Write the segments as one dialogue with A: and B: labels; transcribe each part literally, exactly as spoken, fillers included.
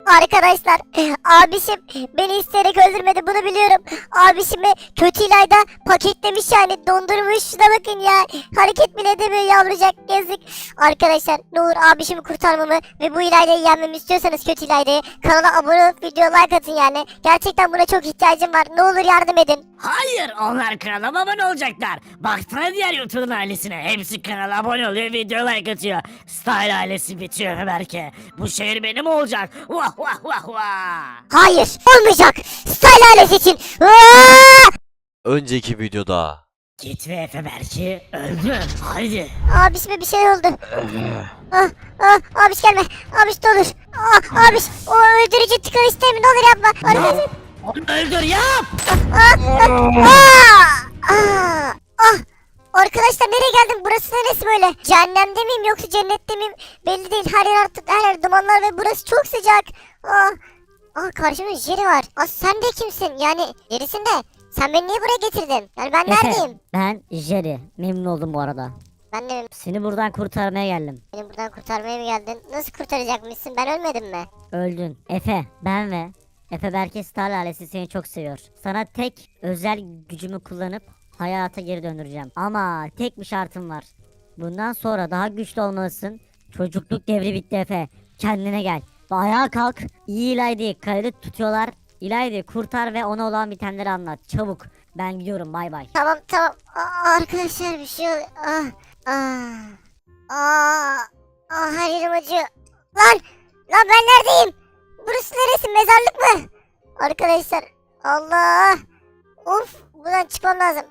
A: Arkadaşlar abişim beni isteyerek öldürmedi, bunu biliyorum. Abişimi kötü İlayda paketlemiş, yani dondurmuş. Şuna bakın ya, hareket bile edemiyor yavrucak, yazık. Arkadaşlar ne olur abişimi kurtarmamı ve bu İlayda'yı yenmemi istiyorsanız, kötü İlayda'yı, kanala abone olup video like atın yani. Gerçekten buna çok ihtiyacım var, ne olur yardım edin.
B: Hayır, onlar kanala abone olacaklar. Baksana diğer YouTube'un ailesine. Hepsi kanala abone oluyor, video like atıyor. Style ailesi bitiyor Berke. Bu şehir benim olacak. Vah vah vah vah.
A: Hayır, olmayacak. Style ailesi için. Aa!
C: Önceki videoda.
B: Git ve Efe Berke öldü. Haydi.
A: Abişime bir şey oldu. Ah, ah, abiş gelme. Abiş ne olur. Ah, abiş o öldürücü tıkanış değil mi? Ne olur yapma. Arkadaşlar.
B: Onu öldür yap.
A: Ah, ah, ah, ah, ah. Arkadaşlar nereye geldim? Burası neresi böyle? Cehennemde miyim yoksa cennette miyim? Belli değil. Her yer artık, her yer dumanlar ve burası çok sıcak. Ah, ah karşımda Jerry var. Ah sen de kimsin? Yani Jerry'sin de. Sen beni niye buraya getirdin? Yani ben neredeyim?
D: Ben Jerry. Memnun oldum bu arada.
A: Ben de
D: Seni buradan kurtarmaya geldim.
A: beni buradan kurtarmaya mı geldin? Nasıl kurtaracakmışsın? Ben ölmedim mi?
D: Öldün. Efe, ben ve Efe Berke Star ailesi seni çok seviyor. Sana tek özel gücümü kullanıp hayata geri döndüreceğim. Ama tek bir şartım var. Bundan sonra daha güçlü olmalısın. Çocukluk devri bitti Efe. Kendine gel. Ve ayağa kalk. İyi İlayda'yı kalede tutuyorlar. İlayda'yı kurtar ve ona olan bitenleri anlat. Çabuk. Ben gidiyorum, bay bay.
A: Tamam tamam. Aa, arkadaşlar bir şey oluyor. Ah, ah, ah, ah, her yerim acıyor. Lan, lan ben neredeyim? Burası neresi? Mezarlık mı? Arkadaşlar, Allah. Of, buradan çıkmam lazım.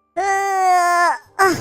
A: Ah, ah,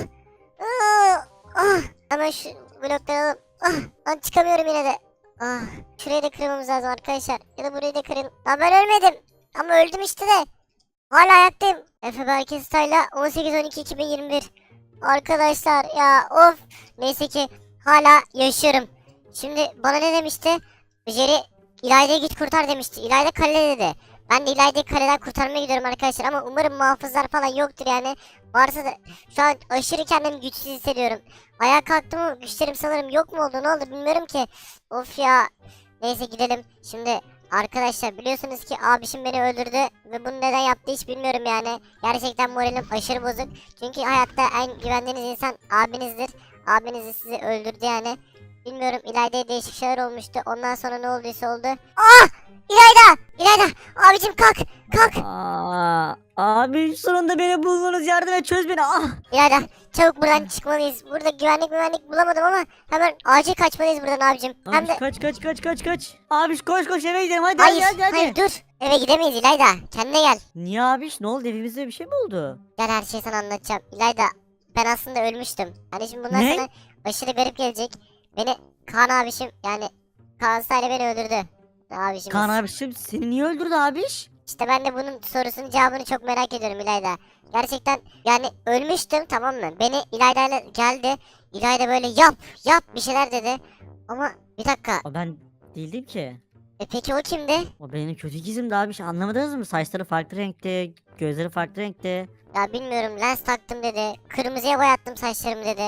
A: ah, ah. Hemen şu blokları alalım. Ah, lan çıkamıyorum yine de. Ah, şurayı da kırmamız lazım arkadaşlar. Ya da burayı da kırın. Lan ben ölmedim. Ama öldüm işte de. Hala ayaktayım. Efe Berke Style'la on sekiz on iki iki bin yirmi bir. Arkadaşlar ya of. Neyse ki hala yaşıyorum. Şimdi bana ne demişti? Jerry İlayda'yı git kurtar demişti. İlayda kalede dedi. Ben de İlayda'yı kaleden kurtarmaya gidiyorum arkadaşlar. Ama umarım muhafızlar falan yoktur yani. Varsa da şu an aşırı kendimi güçsüz hissediyorum. Ayağa kalktım ama güçlerim sanırım yok mu oldu, ne oldu bilmiyorum ki. Of ya. Neyse gidelim. Şimdi arkadaşlar biliyorsunuz ki abişim beni öldürdü ve bunu neden yaptı hiç bilmiyorum yani. Gerçekten moralim aşırı bozuk. Çünkü hayatta en güvendiğiniz insan abinizdir. Abiniz de sizi öldürdü yani. Bilmiyorum, İlayda'ya değişik şeyler olmuştu. Ondan sonra ne olduysa oldu. Ah! İlayda! İlayda! Abicim kalk! Kalk!
D: Aa, abi sonunda beni buldunuz, yardım et, çöz beni. Ah.
A: İlayda çabuk buradan çıkmalıyız. Burada güvenlik güvenlik bulamadım ama hemen acil kaçmalıyız buradan abicim. Hem
D: Abi
A: de...
D: kaç kaç kaç kaç kaç. Abi koş koş eve gidelim, hadi
A: Hayır,
D: hadi hadi.
A: hayır dur. Eve gidemeyiz İlayda. Kendine gel.
D: Niye abi, ne oldu, evimizde bir şey mi oldu?
A: Gel, her şeyi sana anlatacağım. İlayda ben aslında ölmüştüm. Hani şimdi bundan
D: Ne?
A: sonra aşırı garip gelecek. Beni Kaan abişim yani Kaan Sayla beni öldürdü. Abişimiz.
D: Kaan abişim seni niye öldürdü abiş?
A: İşte ben de bunun sorusunun cevabını çok merak ediyorum İlayda. Gerçekten yani ölmüştüm, tamam mı? Beni İlayda ile geldi. İlayda böyle yap yap bir şeyler dedi. Ama bir dakika.
D: O ben değildim ki.
A: E peki o kimdi?
D: O benim kötü ikizimdi abiş, anlamadınız mı? Saçları farklı renkte, gözleri farklı renkte.
A: Ya bilmiyorum, lens taktım dedi. Kırmızıya boyattım saçlarımı dedi.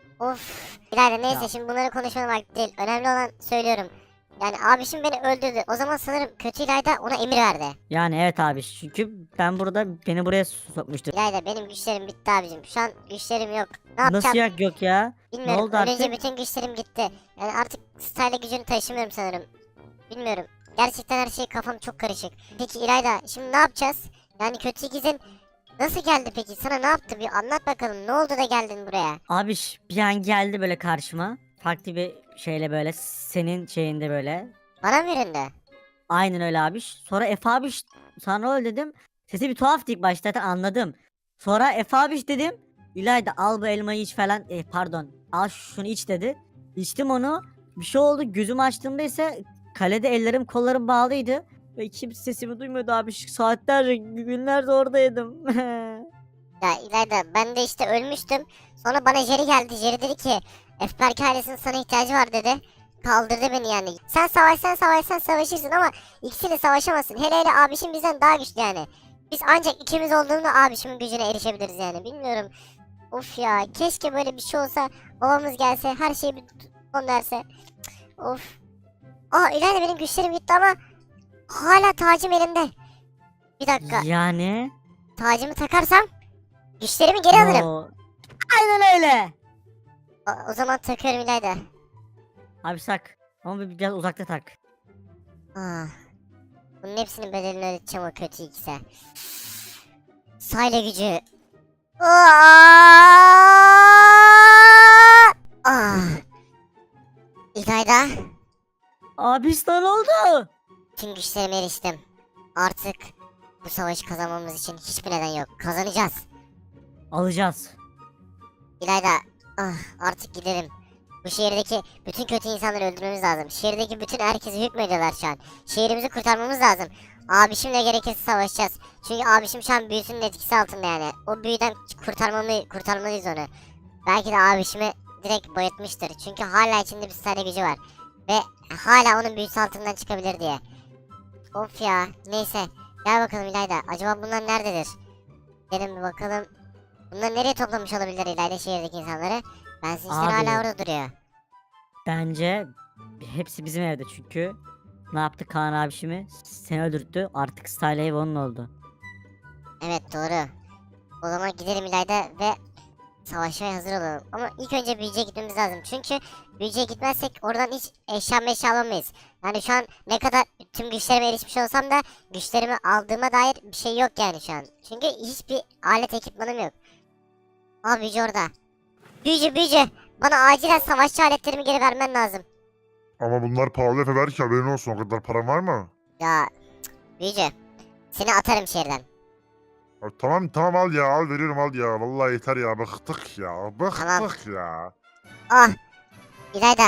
A: Of. İlayda neyse
D: Ya.
A: şimdi bunları konuşmanın vakti değil. Önemli olan söylüyorum. Yani abişim beni öldürdü. O zaman sanırım kötü İlayda ona emir verdi.
D: Yani evet abiş, çünkü ben burada beni buraya sokmuştu.
A: İlayda benim güçlerim bitti abicim. Şu an güçlerim yok. Ne yapacağım?
D: Nasıl yak yok ya?
A: Bilmiyorum.
D: Ne oldu
A: Ölünce
D: artık?
A: bütün güçlerim gitti. Yani artık style gücünü taşımıyorum sanırım. Bilmiyorum. Gerçekten her şey, kafam çok karışık. Peki İlayda şimdi ne yapacağız? Yani kötü ikizin nasıl geldi peki? Sana ne yaptı? Bir anlat bakalım. Ne oldu da geldin buraya?
D: Abiş bir an geldi böyle karşıma. Farklı bir şeyle, böyle senin şeyinde böyle.
A: Bana mı yüründü?
D: Aynen öyle abiş. Sonra Efe abiş sana öyle dedim. Sesi bir tuhaftı ilk başta, zaten anladım. Sonra Efe abiş dedim. İlayda al bu elmayı iç falan. E, pardon, al şunu iç dedi. İçtim onu. Bir şey oldu, gözümü açtığımda ise kalede ellerim kollarım bağlıydı. Ve kimse sesimi duymuyordu abiş. Saatlerce, günlerce oradaydım.
A: Ya İlayda ben de işte ölmüştüm. Sonra bana Jerry geldi. Jerry dedi ki Efberk ailesinin sana ihtiyacı var dedi. Kaldırdı beni yani. Sen savaşsan savaşsan savaşırsın ama ikisiyle savaşamazsın. Hele hele abişim bizden daha güçlü yani. Biz ancak ikimiz olduğunda abişimin gücüne erişebiliriz yani. Bilmiyorum. Of ya, keşke böyle bir şey olsa. Babamız gelse, her şeyi bir son derse. Cık, of. Aa İlayda benim güçlerim gitti ama hala tacım elimde. Bir dakika.
B: Yani?
A: Tacımı takarsam güçlerimi geri alırım.
B: Oo. Aynen öyle.
A: O, o zaman takıyorum İlayda.
B: Abi sak. Ama bir- biraz uzakta tak.
A: Ah. Bunun hepsinin bedelini ödeyeceğim o kötü ikisi. Sayla gücü. Aa! Ah. İlayda.
B: Abi sana ne oldu?
A: Tüm güçlerime eriştim. Artık bu savaşı kazanmamız için hiçbir neden yok. Kazanacağız.
B: Alacağız.
A: İlayda. Ah, artık gidelim. Bu şehirdeki bütün kötü insanları öldürmemiz lazım. Şehirdeki bütün herkesi hükmediyorlar şu an. Şehrimizi kurtarmamız lazım. Abişimle gerekirse savaşacağız. Çünkü abişim şu an büyüsünün etkisi altında yani. O büyüden kurtarmamı, kurtarmalıyız onu. Belki de abişimi direkt bayıltmıştır. Çünkü hala içinde bir tane gücü var. Ve hala onun büyüsü altından çıkabilir diye. Of ya. Neyse. Gel bakalım İlayda. Acaba bunlar nerededir? Gidelim bir bakalım. Bunlar nereye toplamış olabilir İlayda şehirdeki insanları? Ben işte
B: Abi.
A: hala orada duruyor.
B: Bence hepsi bizim evde çünkü ne yaptı Kaan abişimi? Seni öldürttü. Artık Style ev onun oldu.
A: Evet doğru. O zaman gidelim İlayda ve savaşmaya hazır olalım. Ama ilk önce büyücüye gitmemiz lazım. Çünkü büyücüye gitmezsek oradan hiç eşya meşya alamayız. Yani şu an ne kadar tüm güçlerime erişmiş olsam da güçlerimi aldığıma dair bir şey yok yani şu an. Çünkü hiçbir alet ekipmanım yok. Aa büyücü orada. Büyücü büyücü. Bana acilen savaşçı aletlerimi geri vermen lazım.
E: Ama bunlar pahalı Efe, belki haberin olsun, o kadar param var mı?
A: Ya cık, büyücü. Seni atarım şehirden.
E: Ya tamam tamam, al ya, al veriyorum, al ya, vallahi yeter ya, bıktık ya, bıktık
A: Tamam.
E: ya.
A: Ah. İlayda.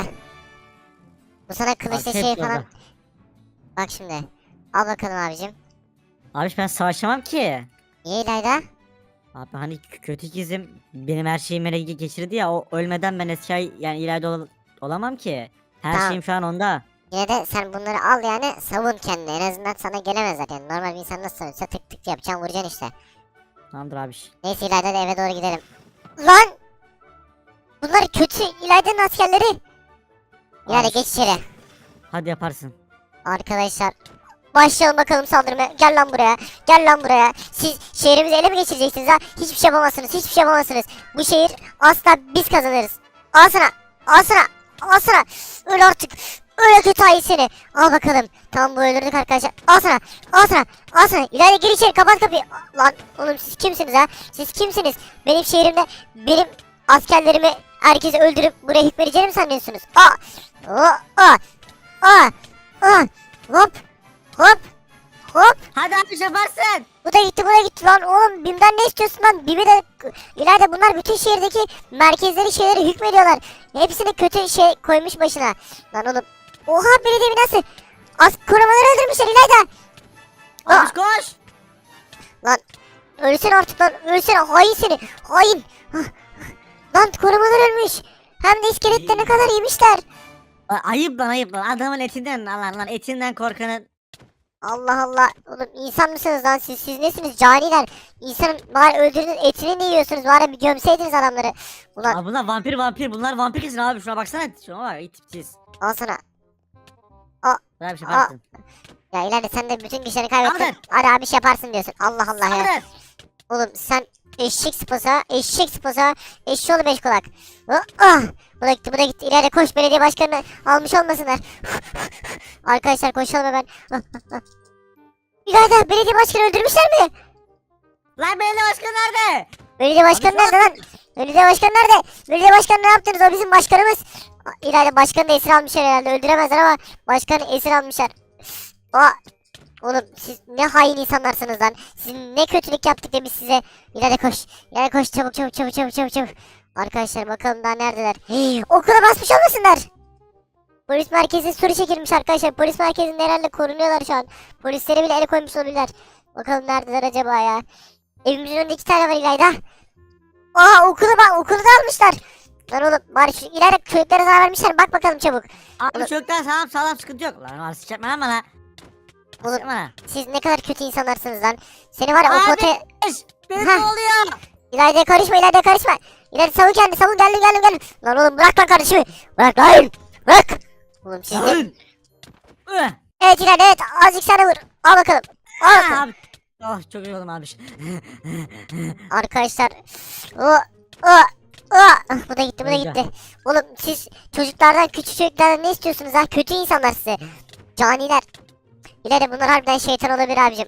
A: Bu sana kılıçla
B: Abi,
A: şey
B: hep
A: falan.
B: yolda.
A: Bak şimdi. Al bakalım abicim.
B: Abiş ben savaşamam ki.
A: Niye İlayda?
B: Abi hani kö- kötü ikizim benim her şeyimi ele ge- geçirdi ya, o ölmeden ben eski ay- yani ileride ol- olamam ki. Her
A: Tamam.
B: şeyim şu an onda.
A: Yine de sen bunları al yani savun kendini. En azından sana gelemezler yani. Normal bir insan nasıl savunsa tık tık yapacaksın, vuracaksın işte.
B: Tamamdır abiş.
A: Neyse İlayda da eve doğru gidelim. Lan! Bunlar kötü İlayda'nın askerleri. İlayda
B: Abiş,
A: geç içeri.
B: hadi yaparsın.
A: Arkadaşlar. Başlayalım bakalım saldırmaya. Gel lan buraya. Gel lan buraya. Siz şehrimizi ele mi geçireceksiniz ha? Hiçbir şey yapamazsınız. Hiçbir şey yapamazsınız. Bu şehir asla biz kazanırız. Al sana. Al sana. Al sana. Öl artık. Öyle kötü hain seni. Al bakalım. Tamam bu öldürdük arkadaşlar. Al sana. Al sana. Al sana. İlayda gir içeri. Kapat kapıyı. Lan oğlum siz kimsiniz ha? Siz kimsiniz? Benim şehrimde benim askerlerimi herkesi öldürüp buraya hükmedeceğini mi sanıyorsunuz? Aa. Aa. Aa. Aa. Aa. Hop. Hop. Hop.
B: Hadi abiş yaparsın.
A: Bu da gitti, bu da gitti lan. Oğlum Bim'den ne istiyorsun lan? Bim'i de İlayda bunlar bütün şehirdeki merkezleri şeyleri hükmediyorlar. Hepsini kötü şey koymuş başına. Lan oğlum. Oha belediye binası. Az korumaları öldürmüşler İlayda. Aa,
B: Abiş koş.
A: lan ölsene artık lan. Ölsene hain seni. Hain. Hah. Lan korumalar ölmüş. Hem de iskelette ne kadar yemişler.
B: A- Ayıp lan ayıp lan, adamın etinden lan lan etinden korkanın.
A: Allah Allah. Oğlum insan mısınız lan siz? Siz nesiniz? Caniler. İnsanın bari öldürdüğünüz etini ne yiyorsunuz? Bari bir gömseydiniz adamları. Ulan
B: Aa, bunlar vampir vampir, bunlar vampir kesin abi, şuna baksana, şuna bak iyi tipsiz.
A: al sana.
B: Hadi bir şey yaparsın.
A: Ya ileride sen de bütün güçlerini kaybettin.
B: Kaldır.
A: Hadi abi şey yaparsın diyorsun. Allah Allah ya.
B: Kaldır.
A: Oğlum sen eşek sıpası, eşek sıpası, eşşoğlu beş kulak. Ah, ah. Bu da gitti, bu da gitti. İleride koş, belediye başkanını almış olmasınlar. Arkadaşlar koşalım hemen. Ah, ah, ah. İleride belediye başkanı öldürmüşler mi?
B: Lan belediye başkanı nerede?
A: Belediye başkanı nerede lan? Belediye başkanı nerede? Belediye başkanı ne yaptınız? O bizim başkanımız. Aa, İleride başkanı da esir almışlar herhalde. Öldüremezler ama başkanı esir almışlar. Aa, oğlum siz ne hain insanlarsınız lan. Siz ne kötülük yaptık da biz size. İleride koş. İleride koş çabuk çabuk çabuk çabuk çabuk çabuk. Arkadaşlar bakalım daha neredeler. Hii, okula basmış olmasınlar. Polis merkezi soru çekilmiş arkadaşlar. Polis merkezinde herhalde korunuyorlar şu an. Polislere bile el koymuş olabilirler. Bakalım neredeler acaba ya. Evimizin önünde iki tane var İlayda. Aa okulu bak, okulu da almışlar. Lan oğlum bari şu ileride köylere zarar vermişler. Bak bakalım çabuk.
B: Abi
A: Oğlum-
B: çocuklar sağlam sağlam, sıkıntı yok. Lan arası çekme lan bana.
A: Oğlum-
B: Çekme lan.
A: Siz ne kadar kötü insanlarsınız lan. Seni var ya o
B: Abi!
A: potaya...
B: Eş, benim
A: Heh.
B: ne oluyor?
A: İlayda karışma, İlayda karışma. İlayda savun kendini, savun, geldim geldim geldim. Lan oğlum bırak lan kardeşimi. Bırak lan. Bırak. Oğlum siz ne...
B: Lan! Ih!
A: Evet İlayda evet azıcık sana vur. Al bakalım. Al
B: Ah,
A: bakalım.
B: abi. Oh çok yoruldum abi.
A: Arkadaşlar. O, o, o. Ah, bu da gitti bu da
B: Öldü.
A: gitti. Oğlum siz çocuklardan küçük çocuklardan ne istiyorsunuz ha? Kötü insanlar size. Caniler. İlayda bunlar harbiden şeytan olabilir abicim.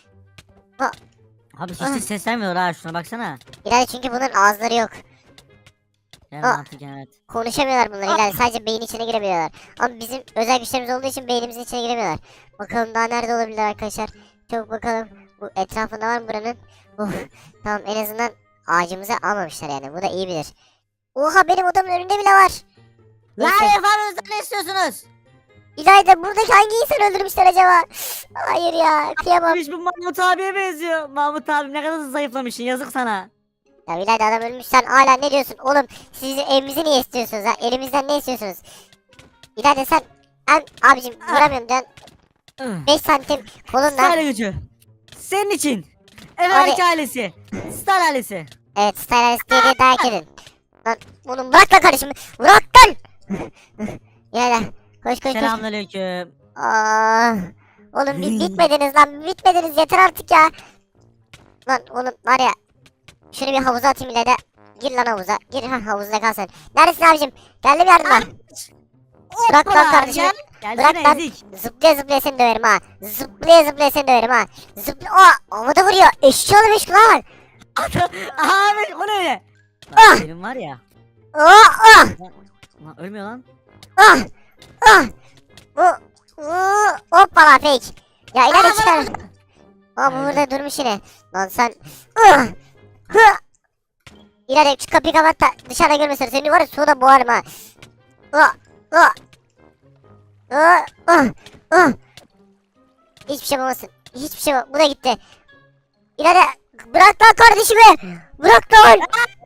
B: Abi hiç
A: Ah.
B: de ses vermiyor ha, şuna baksana.
A: İlayda çünkü bunların ağızları yok.
B: Yani
A: Ah.
B: mantık evet.
A: Konuşamıyorlar bunlar İlayda sadece beyin içine girebiliyorlar. Ama bizim özel güçlerimiz olduğu için beynimizin içine giremiyorlar. Bakalım daha nerede olabilirler arkadaşlar. Çabuk bakalım. Bu etrafında var mı buranın? Oh, tamam en azından ağacımızı almamışlar yani. Bu da iyi bilir. Oha benim odamın önünde bile var.
B: Lan
A: Neyse.
B: efendim ne istiyorsunuz?
A: İlayda buradaki hangi insan öldürmüşler acaba? Hayır ya kıyamam.
B: Hiç bu Mahmut abiye benziyor. Mahmut abi ne kadar zayıflamışsın, yazık sana.
A: Ya İlayda adam ölmüş sen hala ne diyorsun? Oğlum siz evimizi niye istiyorsunuz ha? Elimizden ne istiyorsunuz? İlayda sen ben abicim vuramıyorum diyorsun. beş santim kolunla.
B: Style gücü. Senin için. Ev
A: Abi-
B: erkek ailesi. Style ailesi.
A: Evet Stylus diye diye dayak edin. Lan oğlum bırak lan kardeşim. Bırak lan. İlayda koş koş koş.
B: Selamünaleyküm.
A: Aa, oğlum bir bitmediniz lan bitmediniz yeter artık ya. Lan oğlum var ya. Şunu bir havuza atayım İlayda. Gir lan havuza. Gir ha havuzda kal sen. Neredesin abicim? Geldim yardıma. Bırak lan kardeşim.
B: Gel.
A: Bırak
B: Gelsene
A: lan.
B: ezik.
A: Zıplaya zıplaya seni döverim ha. Zıplaya zıplaya seni döverim ha. Zıpla. Aa havada vuruyor. Eşşi oğlum eşki lan.
B: Abi o ne öyle?
A: Ah!
B: Lan benim var ya.
A: Aa ah
B: Lan ölmüyor lan.
A: ah ah. Bu. Uuu. Hoppala fake. Ya ileride
B: Aa,
A: çıkar. Aa bu burada durmuş yine. Lan sen. Ah. Hı. İleride şu kapıyı kapat da dışarıda görmesin. Seni var ya suda boğarım ha. Ah. Ah. Ah. Ah. Ah. Hiçbir şey yapamazsın. Hiçbir şey yapamazsın. Bu da gitti. İleride bırak lan kardeşimi. Bırak lan.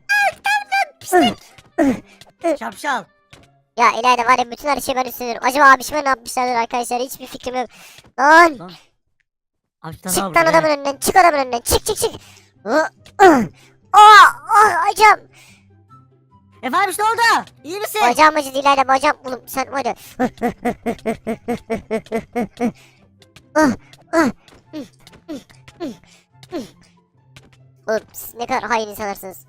B: Şapşal.
A: Ya İlayda var ya bütün her şeyi ben üstleniyorum. Acaba abişime ne yapmışlardır arkadaşlar hiçbir fikrim yok. Lan
B: Lan. Abi bir tane
A: çık
B: daha
A: lan
B: vurdu,
A: adamın
B: he.
A: önünden çık adamın önünden çık çık çık. Aa ah acam.
B: Efendim ne oldu? İyi misin?
A: Bacağım acıdı İlayda bacağım. Oğlum sen var ya. Ah, ah. Oğlum siz ne kadar hain insanlarsınız.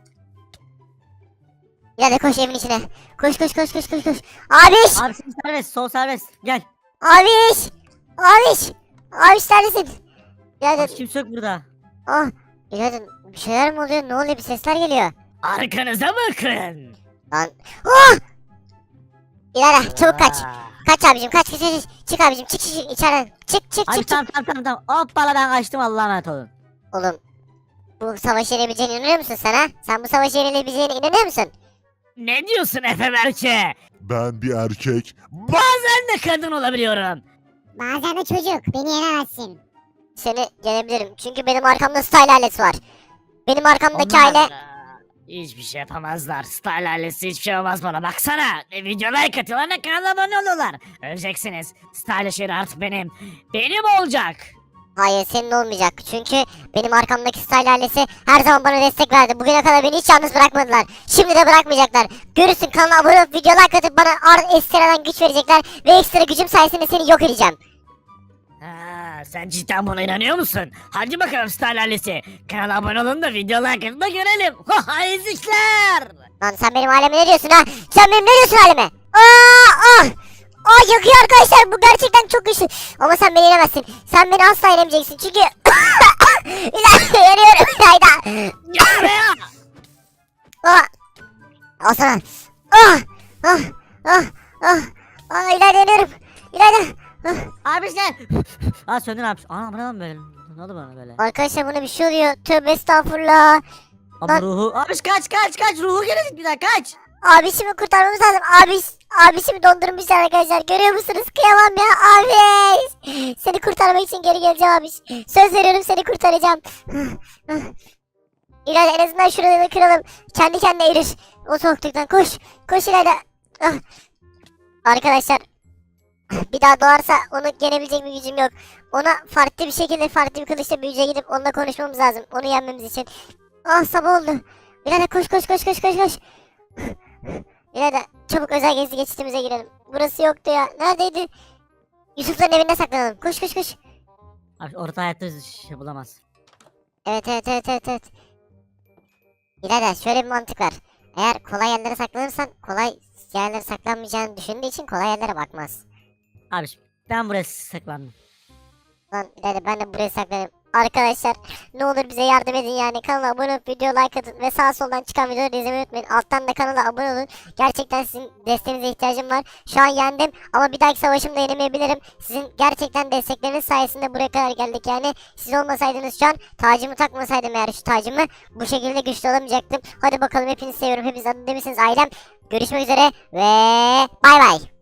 A: İlayda koş evin içine. Koş koş koş koş koş koş. Abiş.
B: Abi sen serbest, sol serbest. Gel.
A: Abiş. Abiş. Abiş neredesin? İlayda.
B: Abi kimse yok burada.
A: Ah. İlayda bir şeyler mi oluyor? Ne oluyor? Bir sesler geliyor.
B: Arkanıza bakın.
A: Lan. Ah. İlayda çabuk kaç.
B: Aa.
A: Kaç abicim kaç kaç kaç. Çık abicim çık çık çık içeriden. Çık çık
B: Abi
A: çık çık.
B: tamam tamam tamam tamam. Hoppala ben kaçtım, Allah'a emanet olun.
A: Oğlum. Bu savaş yenebileceğine inanıyor musun sen ha? Sen bu savaş yenebileceğine inanıyor musun?
B: Ne diyorsun Efe Berke?
E: Ben bir erkek.
B: Bazen de kadın olabiliyorum.
A: Bazen de çocuk. Beni yenemezsin. Seni yenebilirim. Çünkü benim arkamda style ailesi var. Benim arkamdaki
B: Onlar,
A: aile...
B: aa, hiçbir şey yapamazlar. Style ailesi hiçbir şey olmaz bana. Baksana. E, videolar katıyorlar ve kanala abone oluyorlar. Öleceksiniz. Style şehri artık benim. Benim olacak.
A: Hayır senin olmayacak. Çünkü benim arkamdaki style ailesi her zaman bana destek verdi. Bugüne kadar beni hiç yalnız bırakmadılar. Şimdi de bırakmayacaklar. Görürsün kanala abone olup videolar katıp bana ar- ekstradan güç verecekler. Ve ekstra gücüm sayesinde seni yok edeceğim.
B: Ha, sen cidden buna inanıyor musun? Hadi bakalım Style ailesi. Kanala abone olun da videolar katın da görelim. Ha ezikler.
A: Lan sen benim aileme ne diyorsun ha? Sen benim ne diyorsun aileme? Aa, ah! Aa yakıyor arkadaşlar bu gerçekten çok güçlü. Ama sen beni yenemezsin. Sen beni asla yenemeyeceksin çünkü... İlayda yanıyorum İlayda.
B: Gel buraya.
A: Aa! Al sana. Ah! Ah! Ah! Ah! Ah İlayda yanıyorum. İlayda. Ah.
B: Abi gel. Aa söndün abi. Aa bu ne lan böyle? Ne oldu bana böyle?
A: Arkadaşlar buna bir şey oluyor. Tövbe estağfurullah.
B: Abi
A: Lan-
B: ruhu. Abi kaç kaç kaç. Ruhu gelecek bir daha kaç.
A: Abişimi kurtarmamız lazım. Abiş, abişimi dondurmuşlar arkadaşlar. Görüyor musunuz? Kıyamam ya abiş. Seni kurtarmak için geri geleceğim abiş. Söz veriyorum seni kurtaracağım. İlayda en azından şuraları kıralım. Kendi kendine erir. O soğukluktan koş. Koş İlayda. Ah. Arkadaşlar. Bir daha doğarsa onu yenebilecek bir gücüm yok. Ona farklı bir şekilde farklı bir kılıçla büyüce gidip onunla konuşmamız lazım. Onu yenmemiz için. Ah sabah oldu. İlayda koş koş koş koş koş koş. İlayda çabuk özel gezi geçitimize girelim. Burası yoktu ya. Neredeydi? Yusuf'ların evinde saklanalım. Koş koş koş.
D: Abi orta hayatta şey bulamaz.
A: Evet evet evet evet evet. Birader şöyle bir mantık var. Eğer kolay yerlere saklanırsan kolay yerlere saklanmayacağını düşündüğü için kolay yerlere bakmaz.
D: Abi ben buraya saklandım.
A: Lan birader ben de buraya saklanayım. Arkadaşlar ne olur bize yardım edin yani. Kanala abone olup video like atın ve sağ soldan çıkan videoları izlemeyi unutmayın. Alttan da kanala abone olun. Gerçekten sizin desteğinize ihtiyacım var. Şu an yendim ama bir dahaki savaşımda yenemeyebilirim. Sizin gerçekten destekleriniz sayesinde buraya kadar geldik yani. Siz olmasaydınız şu an tacımı takmasaydım eğer şu tacımı bu şekilde güçlü olamayacaktım. Hadi bakalım hepinizi seviyorum. Hepiniz adını demişsiniz ailem. Görüşmek üzere ve bay bay.